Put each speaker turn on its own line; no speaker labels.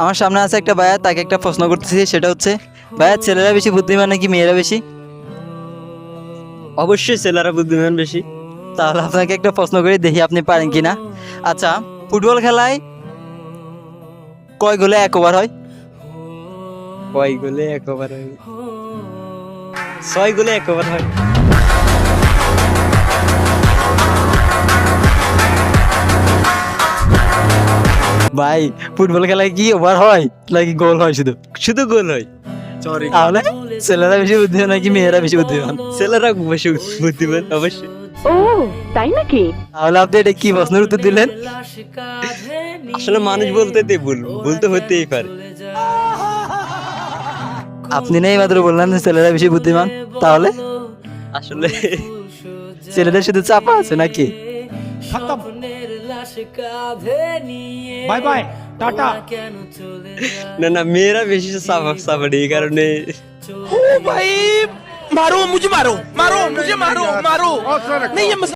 আমার সামনে আছে একটা ভাইয়া, তাকে একটা প্রশ্ন করতেছি, সেটা হচ্ছে ভাইয়া ছেলেরা বেশি বুদ্ধিমান নাকি মেয়েরা বেশি?
অবশ্যই ছেলেরা বুদ্ধিমান বেশি।
তাহলে আপনাকে একটা প্রশ্ন করে দেখি আপনি পারেন কিনা। আচ্ছা, ফুটবল খেলায় কয় গোলে 1 ওভার হয়?
কয় গোলে 1 ওভার হয়? 6 গোলে 1 ওভার হয়।
ভাই ফুটবল খেলায় কি ওভার হয় নাকি গোল হয় শুধু?
শুধু গোল হয়।
তাহলে ছেলেরা বেশি বুদ্ধিমান নাকি মেয়েরা বেশি বুদ্ধিমান?
ছেলেরা বেশি বুদ্ধিমান অবশ্যই।
ও তাই নাকি?
তাহলে আপনি এটা কি প্রশ্নের উত্তর দিলেন?
আসলে মানুষ বলতে বলতে হতেই পারে।
আপনি নেই মাত্র বললেন যে ছেলেরা বেশি বুদ্ধিমান, তাহলে
আসলে
ছেলেদের শুধু চাপা আছে নাকি?
Bye bye tata.
না না, মেয়েরা বেশি সাপোর্ট এই কারণে।
ओ भाई मारो मुझे, मारो मारो मुझे, मारो मारो नहीं ये